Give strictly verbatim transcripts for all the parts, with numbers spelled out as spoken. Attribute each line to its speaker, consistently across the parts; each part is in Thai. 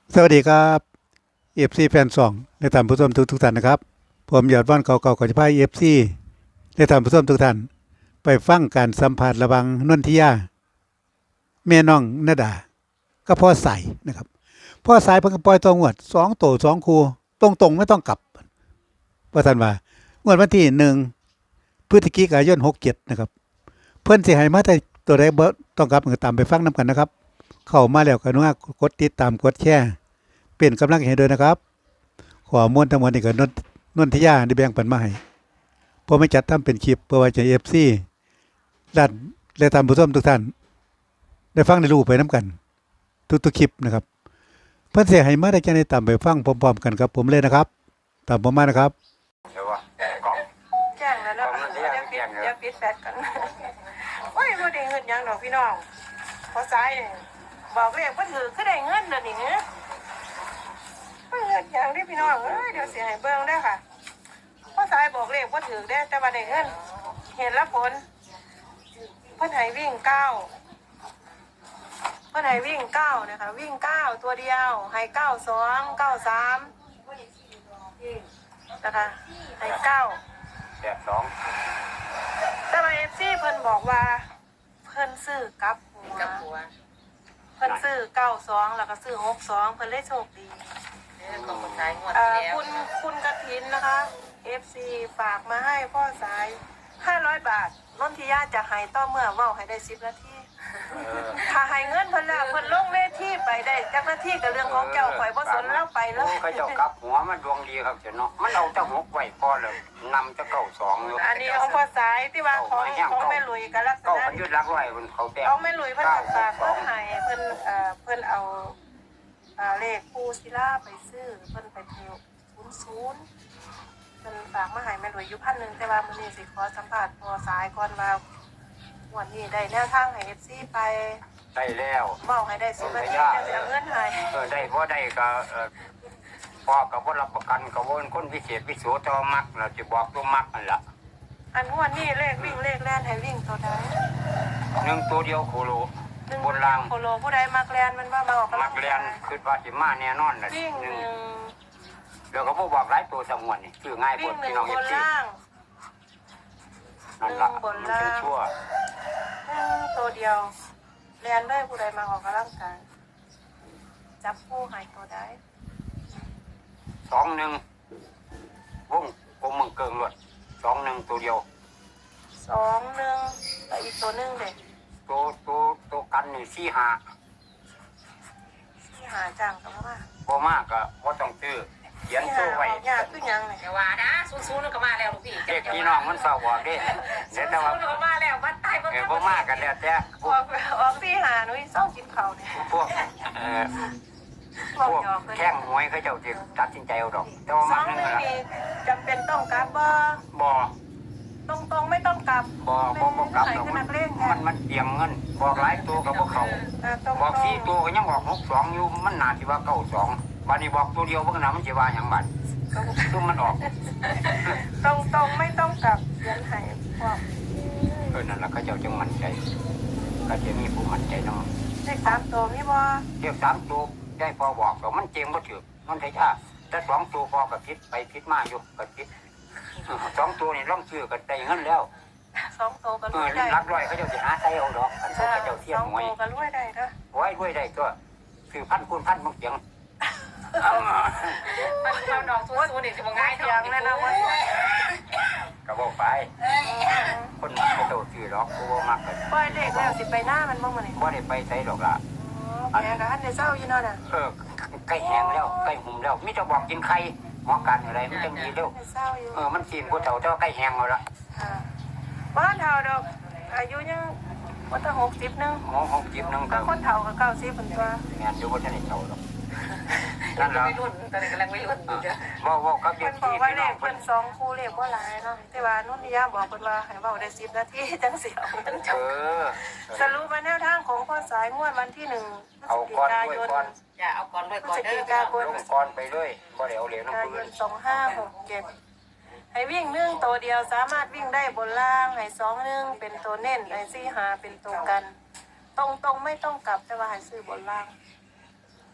Speaker 1: สวัสดีครับเอฟซีแฟนสองและท่านผู้ชมทุกทุกท่านนะครับผมยอดว่านเก่าๆก่อนจะพาเอฟซีและท่านผู้ชมทุกท่านไปฟังการสัมภาษณ์ระหวังนนทิยาแม่น้องนาดาก็พ่อใสนะครับพ่อสายเพิ่งปล่อยตัวงวดสองโตสองคูตรงๆไม่ต้องกลับว่าท่านว่างวดวันที่หนึ่งพฤศจิกายนหกเจ็ดนะครับเพื่อนสิให้มาแต่ตัวใดบ่ต้องกลับก็ตามไปฟังน้ำกันนะครับเข้ามาแล้วก็นุญกดติดตามกดแชร์เป็นกำลังใจให้ด้วยนะครับขอมวลทั้งหมดนี่ก็นนนนทิยาได้แบ่งปันมาให้พอไม่จัดทำเป็นคลิปเพื่อไว้ใจเอฟซีและและท่านผู้ชมทุกท่านได้ฟังได้รู้ไปน้ำกันทุกๆคลิปนะครับเพื่อนเสียให้มาได้จะได้ตามไปฟังพร้อมๆกันครับผมเลยนะครับตามผมมานะครับ
Speaker 2: เดี๋ยวว่าก่อน
Speaker 3: แจ้งแล้วเนาะเดี๋ยวปิดเดี๋ยวปิดแฟลชกันโอ้ยบ่ได้เงินหยังดอกพี่น้องพอสายนี่บอกเลขบ่ถือคือได้เงินเด้อนี่เด้อบ่เงินหยังเด้พี่น้องเอ้ยเดี๋ยวสิให้เบิ่งเด้อค่ะพอสายบอกเลขบ่ถือเด้แต่ว่าได้เงินเห็นแล้วผลเพิ่นให้วิ่งเก้าเพิ่นให้วิ่งเก้านะคะวิ่งเก้าตัวเดียวให้เก้าสองเก้าสามนะคะให้เก้า
Speaker 2: แปดสอง
Speaker 3: แต่ว่าเอฟซีเพิ่นบอกว่าเพิ่นซื้อกับหัวกับหัวเพิ่นซื้อเก้าสองแล้วก็ซื้อหกสองเพิ่นเลยโชคดี
Speaker 4: เรื่องของคนท้ายงวด
Speaker 3: เอ่อ
Speaker 4: ที่แล้ว
Speaker 3: คุณคุณกฐินนะคะเอฟซีฝากมาให้พ่อสายห้าร้อยบาทนนทิยาจะให้ต่อเมื่อเว้าให้ได้สิบนาทีถ้าให้เงินเพิ่นแล้วเพิ่นลงเวทีไปได้จักนาทีก็เรื่องของเจ้าข่อยบ่สนแล้วไปเล
Speaker 2: โอ้
Speaker 3: ย
Speaker 2: เขาเจ้ากลับหัวมันดวงดีครับเจ้าเนาะมันเอาเจ้าหกไว้พอเลยนำเจ้าเก้าสองอยู่
Speaker 3: อันนี้ของพ่อสายที่ว่าของของแม่หลุยก็ลักษ
Speaker 2: เก้า
Speaker 3: ณะ
Speaker 2: พันยุดรักไว้บนเขาแต้ม
Speaker 3: เอาแม่หลุยเพิ่นฝากเพิ่นให้เพิ่นเอ่อเพิ่นเอาอ่าเลขปูศิลาไปซื้อเพิ่นไปเที่ยวศูนย์ศูนย์เพิ่นฝากมาให้แม่หลุยอยู่พันหนึ่งแต่ว่ามื้อนี้สิขอสัมภาษณ์พอสายก่อนว่าวันนี้ได้แนวทางให้ เอฟ ซี ไป
Speaker 2: ได้แล้ว
Speaker 3: เว้าให้ได้สิบนาทีจะสิเอาเงินให้
Speaker 2: เออได้บ่ได้ก็เออพ่อก็บ่รับประกันก็บ่เป็นคนพิเศษพิโสต่อมักเราจะบอกตัวมักนั่นล่ะ
Speaker 3: อันงวดนี้เลขวิ่งเลขแล่นให้วิ่งตัวใด
Speaker 2: หนึ่งตัวเดียวโคโล
Speaker 3: หนึ่ง
Speaker 2: บนล่าง
Speaker 3: โคโลผู้ใดมักแล่นมันว่ามาออกกำ
Speaker 2: มั
Speaker 3: ลั
Speaker 2: ก
Speaker 3: ง
Speaker 2: เรียนคือว่าสิมาแน่นอนน่ะ
Speaker 3: วิ่ง
Speaker 2: ห
Speaker 3: ห
Speaker 2: นึ่ง
Speaker 3: นึ่ง
Speaker 2: เดี๋ยวก็บ่บอกหลายตัวสมวนนี่ชื่อง่าย
Speaker 3: วิ่
Speaker 2: บ่
Speaker 3: งหนึ่
Speaker 2: พี่
Speaker 3: ง
Speaker 2: น้อง
Speaker 3: บ
Speaker 2: เอนฟซี
Speaker 3: ล่าง
Speaker 2: นั่นล่ะ
Speaker 3: บน
Speaker 2: มัน
Speaker 3: ล่าง
Speaker 2: เป็นชั่ว
Speaker 3: ตัวเดียวเรียนได้ผู้ใดมาออกกำลังกายจับผู้หายตัวได้
Speaker 2: สองหนึ่งวงกลมเมืองเกิงรวดสองหนึ่งตัวเดียว
Speaker 3: สองหนึ่งแต่อีกตัวหนึ่งเด็ก
Speaker 2: ตัวตัวตัวกันนี่สี่ห้า
Speaker 3: ที่หาจังกับว่า
Speaker 2: พอมากก็พอต้องซื้อเขียน
Speaker 3: ที่
Speaker 2: ตั
Speaker 3: หาว
Speaker 2: ไว้
Speaker 3: ออกยากขึ้นยังเนี่ย
Speaker 4: แต่ว่านะซูนๆแล้วก็มาแล้วลูกพี่
Speaker 2: เด็กพี่น้องมันเศร้าบอกเด้เดี๋ยวแต่ว่า
Speaker 4: ซูนๆแล้วก็มาแล้ววัดใต้วัด
Speaker 2: เออพอมากกันแล้วแต่พ
Speaker 3: อ
Speaker 2: ว
Speaker 3: อก กออกที่หาหนุ่ยเศร้ากินเขาเนี่ย
Speaker 2: พวกเอ่อ
Speaker 3: พวก
Speaker 2: พวก
Speaker 3: หยอกเลย
Speaker 2: แข้งหวยเขาเจ้าจะตัดสินใจเอาดอกแต่ว่า
Speaker 3: ส
Speaker 2: มั
Speaker 3: อน ง
Speaker 2: นึง
Speaker 3: หนึ่ง
Speaker 2: ละ
Speaker 3: นี่จำเป็นต้องกลับบ่
Speaker 2: บ่
Speaker 3: ตรงตรงไม่ต้องกลับ
Speaker 2: บ่บ่บ่กลับ
Speaker 3: ไหน
Speaker 2: ดอก
Speaker 3: ข
Speaker 2: มั
Speaker 3: นาด
Speaker 2: น
Speaker 3: เล่น
Speaker 2: มันมันเตรียมเงินบอกหลายตัวกับพวกเขา
Speaker 3: ตรง
Speaker 2: บอก
Speaker 3: ตร
Speaker 2: สี่
Speaker 3: ง
Speaker 2: ตัวก็ยังบอกหกสองอยู่มันน่าสิว่าเก้าสองบัดนี้บอกตัวเดียวเบิ่งน่ะมันสิว่าหยังบัดซุ่มมันออก
Speaker 3: ตรงตรงไม่ต้องกลับเขียนให้พวก
Speaker 2: เออนั่นล่ะเขาเจ้าจึงมั่นใจก็จะมีผู้มั่นใจเนาะ
Speaker 3: เลขสามตัวมีบ่
Speaker 2: เรียกสามตัวได้พอบอกก็มันเจงบ่ถือมันไทยาแต่สองตัวพอก็คิดไปคิดมาอยู่ก็คิดสองตัวนี่ร่องชื่อก็ได้เงินแล้ว
Speaker 3: สองตัวก็
Speaker 2: เอ
Speaker 3: รว
Speaker 2: อย
Speaker 3: ได้
Speaker 2: รักร้อยเขาเจ้าสิหาใส่เอาดอกอันพวกเขาเจ้าเทีย
Speaker 3: ส
Speaker 2: ม
Speaker 3: อง
Speaker 2: หวย
Speaker 3: ตัวก็รวยได้เด้อ
Speaker 2: ไว้ด้วยได้ก็คือพันคูณพันบางเสียง
Speaker 4: มันเราดอกซูนๆนี่สิบ่ง่าย
Speaker 3: เสียงแน่นอนว่า
Speaker 2: ก็บอกไปคนมักเขาเจ้าซื้อดอกกูบ่มักก็
Speaker 3: ปล่อยเลขแล้วสิไปหน้ามันบ้างมื้อนี้
Speaker 2: บ่ได้ไปใส่ดอกล่ะ
Speaker 3: แกก็หันได้เศร้าอยู่เนาะน่ะ
Speaker 2: เออใกล้แห้งแล้วใกล้หุ่มแล้วมิจะบอกกินไข่หมอการอะไรมันจังดีเร็ว
Speaker 3: ได้เศร้าอยู่
Speaker 2: เออมันกินผู้เฒ่าเจ้าใกล้แห้งแล้วล่ะ
Speaker 3: ค่ะบ้านเฒ่าดอกอายุยังบ่ถึงหกสิบนึง
Speaker 2: หมอของจิบนึง
Speaker 3: ก็
Speaker 2: ก็
Speaker 3: คนเฒ่าก็เก้าสิบเพิ่นตัว
Speaker 2: งานอยู่บ่ทันได้เฒ่าดอกนั่นล่ะ
Speaker 4: ไม่รุ่นตอนนี้กำลังไม่รุ่นอยู่จ้ะ
Speaker 2: บ่บ่กับเด็
Speaker 3: เพิ่
Speaker 2: ก
Speaker 3: นบอ
Speaker 2: ที่
Speaker 3: กว่า
Speaker 2: พี่
Speaker 3: เล
Speaker 2: น้อง
Speaker 3: ข
Speaker 2: เพิ่
Speaker 3: เพิ่
Speaker 2: น
Speaker 3: นสองคู่เลขบ่หลายเนาะแต่ว่านุ่นนิยามบอกเพิ่นว่าให้เว้าได้สิบนาทีจังสิเอาเงินจ
Speaker 2: เอบ อ
Speaker 3: สรุปมาแนวทางของพ่อสายงวดวันที่หนึ่งพฤศ
Speaker 2: เอา
Speaker 3: จิ
Speaker 2: ก่อน
Speaker 3: กา
Speaker 2: ด้วย
Speaker 3: ยน
Speaker 2: ก่อน
Speaker 4: อย่าเอาก่อนไว้
Speaker 3: พฤ
Speaker 4: ก่อน
Speaker 3: ศ
Speaker 4: เด้
Speaker 3: จิ
Speaker 4: อก
Speaker 3: ายน
Speaker 2: ลงก่อนไปเลยบ่ได้เอาเหรียญน้ำ
Speaker 3: กา
Speaker 2: ปื
Speaker 3: ย
Speaker 2: น
Speaker 3: นสองห้าหกเจ็ดให้วิ่งหนึ่งตัวเดียวสามารถวิ่งได้บนล่างให้สองหนึ่งเป็นตัวเน้นให้สี่หาเป็นตัวกัน ตรงตรงๆไม่ต้องกลับแต่ว่าให้ซื้อบนล่าง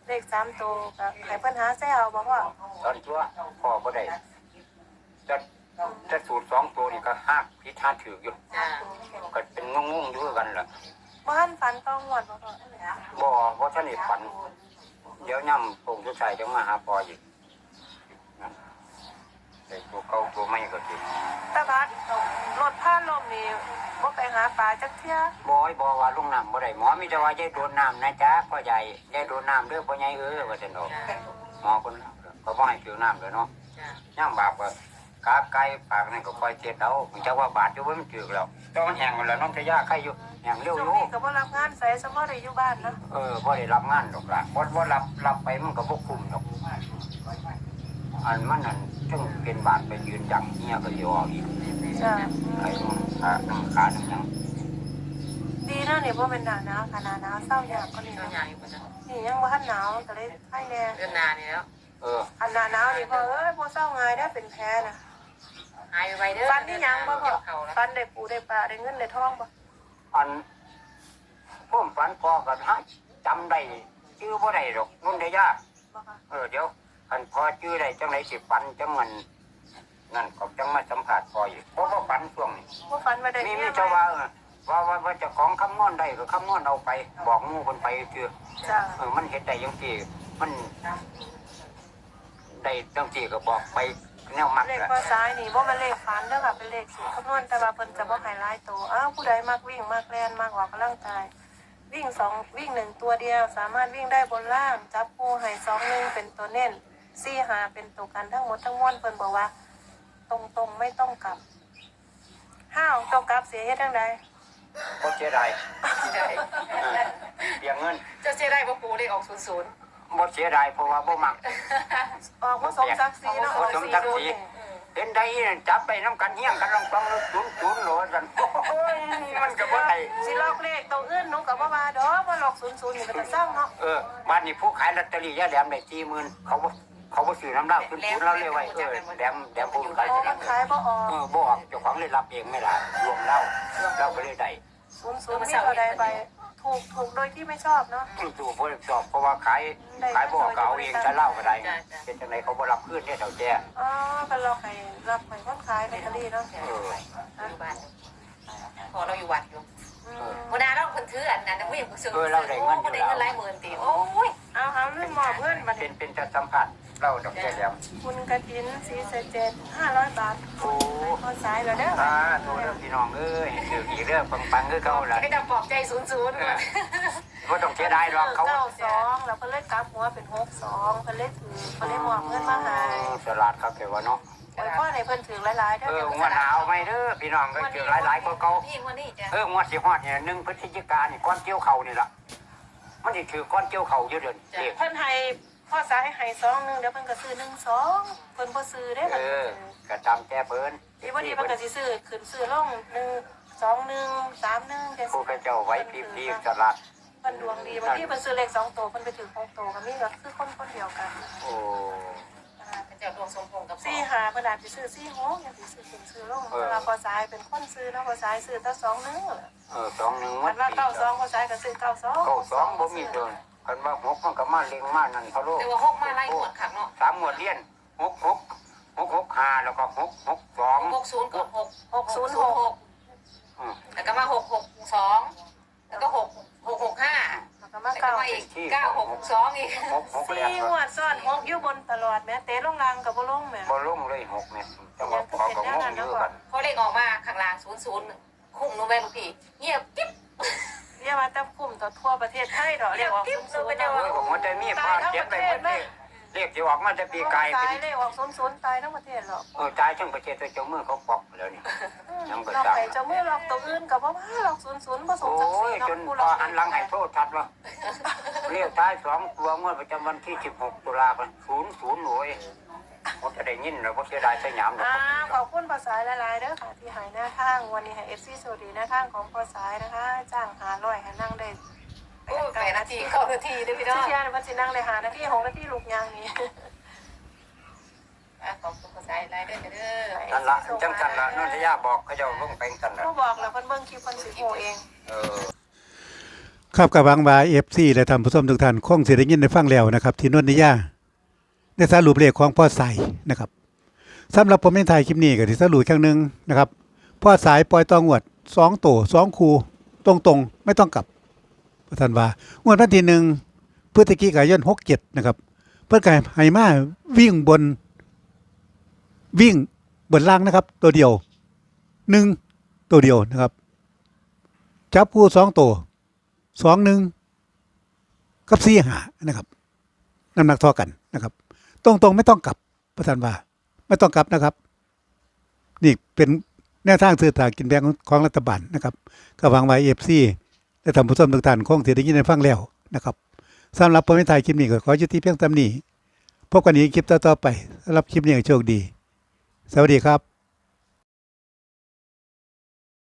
Speaker 3: เลขสามตัวก็ให้เพิ่นหาแซวบ่พ่อ
Speaker 2: ตอนตัวพ่อบ่ได้จะจะสูตรสองตัวนี่ก็หักพิธาถืออยู่
Speaker 4: จ้า
Speaker 2: ก็เป็นงงๆอยู่คือกันล่ะ
Speaker 3: บ่ทันฝันต้องงวดบ่พ่อ
Speaker 2: บ่บ่ทันได้ฝันเดี๋ยวย่ำคงสุดท้ายจะมาหาพ่ออีกนะแต่ตัวเก่าตัวใหม่ก็สิ
Speaker 3: ตาบัดรถพาลมนี่บ่ไปหาปลาจักเที่ย
Speaker 2: บ่ให้บอกว่าลงน้ำบ่ได้หมอมีแต่ว่าอย่าโดนน้ำนะจ๊ะพ่อใหญ่อย่าโดนน้ำเด้อพ่อใหญ่เอ้อว่าซั่นดอก
Speaker 4: จ้า
Speaker 2: หมอคนก็บ่ให้ผิวน้ำเลยเนาะ
Speaker 4: จ้า
Speaker 2: ย่ำบาปก็กาไก่ปากนั่นก็คอยเจ็ดเอามันจะว่าบาดอยู่บ่มันถึกแล้วตอนแห้งแล้วน้องจะยาใครอยู่แห้งเร็ว
Speaker 3: ช่
Speaker 2: อ
Speaker 3: วง
Speaker 2: ยู่
Speaker 3: นี้ก็บ่รับงานใส่สมอได้อยู่บ้านนะ
Speaker 2: เออบ่ได้รับงานดอกล่ะบ่บ่รับรับไปมันก็บ่คุ้มดอกอันมันนั่นจึงเป็นบาดไปยืนจังเฮียก็สิออกอีก
Speaker 3: จ้ะ
Speaker 2: ไอ้มันขาทั้งขาทั้งหยัง
Speaker 3: ดีนะนี่บ่เป็นหน้าหนาวค่ะหน้าหนาวเศร้ายากก็นี่
Speaker 4: เจ้า
Speaker 3: นะ
Speaker 4: ใหญ่กว่าจ้า
Speaker 3: นี่ยังบ่ทันหนาวก็เลยไข้แน่
Speaker 4: เดือนนานี่แล้ว
Speaker 2: เออ
Speaker 3: อันหน้าหนาวนี่พ่อเอ้ยบ่เศร้าง่ายได้เป็นแพ้นะ
Speaker 4: หายไปเด้อ
Speaker 3: ฟันนี่ยังบ่พ่อ
Speaker 4: เขาแล้ว
Speaker 3: ฟันได้ปูได้ปลาได้เงินได้ทองบ่
Speaker 2: อันพ่มฝันพอก็หาจำได้ชื่อบ่ได้ดอกนุ่นได้ยาก
Speaker 3: บ่ค่ะ
Speaker 2: เออเดี๋ยวคันพอชื่อได้จังไดสิฝันจังมันนั่นก็จังมาสัมผัสพออีกเพราะว่าฝันช่วงนี้
Speaker 3: บ่ฟันมาได้
Speaker 2: มี
Speaker 3: เมี
Speaker 2: มี
Speaker 3: ย
Speaker 2: เจ้า
Speaker 3: ไหม
Speaker 2: ว่าเออว่าว่าว่าเจะของคำนวณได้ก็คำนวณเอาไป บอกหมู่คนไปคือ
Speaker 3: จ้ะ
Speaker 2: เออมันเห็นได้ยังที่มันได้จังที่ก็บอกไปแนวมัก
Speaker 3: เลข
Speaker 2: อะ
Speaker 3: ข้อซ้ายนี่บ่แม่นเลขฝันเด้อค่ะเป็นเลขสูตรคำนวณแต่ว่าเพิ่นจะบ่ให้หลายตัวอ้าวผู้ใดมักวิ่งมักแล่นมักออกกำลังกายวิ่งสองวิ่งหนึ่งตัวเดียว สามารถวิ่งได้บนล่างจับคู่ให้สองหนึ่งเป็นตัวเน้นสี่หาเป็นตัวกันทั้งหมดทั้งมวลเพิ่นบอกว่า ตรงๆไม่ต้องกลับห้าออกตัวกลับเสียเฮ็ดจังได
Speaker 2: ก็เสียดาย
Speaker 4: ใช่
Speaker 2: เออเสียเงิน
Speaker 4: เจ้าเสียได้บ่ปูได้ออกศูนย์ศูนย์
Speaker 2: บ่เสียดายเพราะว่าบ่มัก
Speaker 3: ออกมาสมศักดิ์ศรีเนาะออก
Speaker 2: สม
Speaker 3: สี่
Speaker 2: ศักดิ์
Speaker 3: ดู
Speaker 2: ศรี
Speaker 3: นี่
Speaker 2: เห็นได้จับไปน้ำกันเฮี้ยงกันลองต้องจุนจุนโหลดกันโอ้ยมันก็บ่ได้
Speaker 3: สิลอกเลขตัวอื่นหนูก็บ่ว่าดอกบ่ลอกศูนย์ศูนย์นี่ก็จะสร้างเนาะ
Speaker 2: เออบ้านนี้ผู้ขายลอตเตอรี่ยาแหลมได้สี่หมื่นเขาบ่เขาบ่ซื้อน้ำเหล้าคุณคุณเราเลยไว้เออแหลมแหลมผู้ขาย
Speaker 3: โอ้
Speaker 2: แหล
Speaker 3: มั
Speaker 2: ม
Speaker 3: นขายบ่ออก
Speaker 2: เออบ่ออกเจ้าของเลยรับเองไม่ล่ะรวมเหล้าเราก็เลยได้
Speaker 3: ศูนย์ศูนย์มีเท่าใดไปถูกถูกโดยที่ไม่ชอบเนาะ
Speaker 2: ตู่บ่ได้สอบเพราะว่าขายขายบ่ออกก็เอาเองจะเหล้าก็ได้เป็นจังไดเขาบ่รับคืนเนี่ยเฒ่าแก่
Speaker 3: อ๋อเป็นลอกให้รับให้คนขายลอตเตอรี่เนาะ
Speaker 2: เออ
Speaker 4: อยู่บ้านพอเราอยู่วัดอยู่
Speaker 3: อืม
Speaker 4: วันนั้นเราคนถืออันนั้นผู้หญิงผู้ซื้อโอ้ได้เงินหลายหมื่นตีโอ้ย
Speaker 3: เอาเอาเรื่องมอบเงินมา
Speaker 2: เป็นเป็นจะสัมผัสเราดอกแก่แหลม
Speaker 3: คุณกระถินสีเสเจ็ดห้าร้อยบาท
Speaker 2: โอ้
Speaker 3: พอสายแล้วเด้อ
Speaker 2: ตาโทเด้อพี่น้องเอ้ยถืออีกเด้อปังๆคือเก่าล่ะ
Speaker 4: ให้ดำปลอบใจศูนย์ศูนย์ก่อน
Speaker 2: บ่ต้องเสียดายหรอกเขา
Speaker 3: เก้าสองแล้วเพิ่นเลยกลับหัวเป็นหกสองเพิ่นเลยถือเพิ่นเลยมอบเงินมาให้
Speaker 2: สลัดครับแกว่าเนาะ
Speaker 3: โอ้ยพ่อให้เพิ่นถือหลายๆเด้อ
Speaker 2: เออ
Speaker 3: เดี๋ยว
Speaker 2: งวดหนาวไหมเด้อพี่น้องก็เจอหลายๆกว่าเก่า
Speaker 4: นี่วันนี้จ้ะ
Speaker 2: เอองวดสิฮอดเนี่ยหนึ่งพฤศจิกายนนี่ก้อนเกี่ยวเข่านี่ล่ะมันสิถือก้อนเกี่ยวเข่าอยู่เดือนเด็ก
Speaker 3: เพิ่นให้พ่อสายให้สองหนึงเดี๋ยวเพิ่นก็ซื้อหนึ่งสองเพิ่นบ่ซื้อเด้อ
Speaker 2: เอ
Speaker 3: เพิ่น
Speaker 2: อก็ตามแจ้เพิ่น
Speaker 3: ดีบ่ดีเพิ่นก็สิซื้อขึ้นซื้อลงหนึ่งสองหนึ่งสามหนึ่งจัง
Speaker 2: ผู้
Speaker 3: ซี่
Speaker 2: กระเจ้าไว้พีพีสลัด
Speaker 3: เพิ่นดวงดีบางทีเพิ่นซื้อเลขสองตัวเพิ่นไปถือหกตัวก็มีก็คือคนคนเดียวกัน
Speaker 2: โอ้
Speaker 4: เจ้าดวงสมพงษ์กับ
Speaker 3: สี่หาเพิ่นอาจสิซื้อสี่หกอย่างสิซื้อขึ้นซื้อลงเวลาพอสายเป็นคนซื้อเนาะพอสายซื้อแต่สองหนึ่ง
Speaker 2: เออสองหนึ่ง
Speaker 3: มั
Speaker 2: มัน น
Speaker 3: ว่า
Speaker 2: ปี
Speaker 3: เก้าสองพอสายก็ซื้อเก้าสอง
Speaker 2: เก้าสองบ่มีเดินกันว่าหกมันก็มาเล็งมานั่นเขาโลก
Speaker 4: แต่ว่าหกมาไล่หมดขักเนาะ
Speaker 2: สามหมวดเรียนหกหกหกหกห้าแล้วก็หกหกสอง
Speaker 4: หกศูนย์กับหก
Speaker 3: หกศูนย์หก
Speaker 2: อืม
Speaker 4: แล้วก็มาหกหกสองแล้วก็หกหกหกห้า
Speaker 3: แล้วก็มา
Speaker 4: แล้วก็
Speaker 3: เก้า
Speaker 4: มาอีกเก้าหกสองอีก
Speaker 2: หกหกเรียน
Speaker 3: สี่งวดซ้อนหกอยู่บนตลอดแม้เตะลงรางกับบ่ลงแม่
Speaker 2: บ่ลงเลยหกเนี่ยจังหวะขอก็งงอยู่กัน
Speaker 4: พอเลขออกมาข้างล่างศูนย์ศูนย์คุ้มนูแม่ลูกพี่เงียบกิ๊บ
Speaker 3: เรียกว่าแต่คุ้มต่อทั่วประเทศไทยดอกเรียกว่าคุ้มสูง
Speaker 2: เอ้ยผมว่าจะมีผ้าเก็บไปหมดเลยเรียกที่ออกมาจะปีกาย
Speaker 3: ตา
Speaker 2: เป็
Speaker 3: ย
Speaker 2: น
Speaker 3: เลยออกศูนย์ศูนย์ตายทั้งประเทศหรอก
Speaker 2: เออตายทั้งประเทศตัวเจ้ามือเขาปอกแล้วนี่ ยังบ่
Speaker 3: เรา
Speaker 2: ทราบ
Speaker 3: ไปเจ้ามือหลอกตัวอื่นกับว่าหลอกศูนย์ศูนย์ผสม
Speaker 2: โอ้
Speaker 3: จักสี
Speaker 2: ย
Speaker 3: เนาะ
Speaker 2: จน
Speaker 3: ผู้
Speaker 2: พ
Speaker 3: หล
Speaker 2: อ
Speaker 3: อก
Speaker 2: หันหลังให้โทษทัดว่าเรียกท้ายสองตัวเมื่อประจำวันที่สิบหกตุลาคมศูนย์ศูนย์โอ้ยผมจะได้ยินแล้วผมเสียดายสยามดอก
Speaker 3: อ่าขอบคุณภาษาหลายๆเด้อค่ะที่หายหน้าทางวันนี้ให้เอฟซีสวัสดีหน้าทางของภาษานะคะ จ้างหาร้อยให้นั่งได้
Speaker 4: โอ้แปดนาทีเก้านาทีด้วยพี่น้อง
Speaker 3: เที่ยงวันสินั่งได้หานาทีหกนาทีลูกยางนี้
Speaker 4: ขอบคุณภาษาอะไรด้วยเด้อ
Speaker 2: นั่นละจังกันละนนทยาบอกเขาเจ้าลงไปกันละ
Speaker 3: ก็บอกแล้วเพิ่นเบิ่งคลิปเพิ่นสิโหเอง
Speaker 2: เออ
Speaker 1: ครับกับหวังว่า เอฟ ซี และท่านผู้ชมทุกท่านคงสิได้ยินได้ฟังแล้วนะครับที่นนทิยาได้สรุปเลขของพ่อสายนะครับสำหรับผมในถ่ายคลิปนี้ก็สิสรุปอีกครั้งหนึงนะครับพ่อสายปล่อยตองวดสองโตสองคูตรงๆไม่ต้องกลับท่านว่างวดวันที่หนึ่งพฤศจิกายนหกเจ็ดนะครับเพิ่นก็ให้มาวิ่งบนวิ่งบนล่างนะครับตัวเดียวหนึ่งตัวเดียวนะครับจับคู่สองตัวสองหนึ่งกับสี่หานะครับน้ำหนักเท่ากันนะครับ ตรงๆไม่ต้องกลับประธานว่าไม่ต้องกลับนะครับ นี่เป็นแนวทางซื้อสลากกินแบ่งของรัฐบาลนะครับก็หวังไว้เอฟซีและท่านผู้ชมทุกท่านคงสิได้ยินได้ฟังแล้วนะครับสำหรับผมในถ่ายคลิปนี้ก็ขอยุติเพียงเท่านี้พบกันอีกคลิปต่อๆไปสำหรับคลิปนี้โชคดีสวัสดีครับ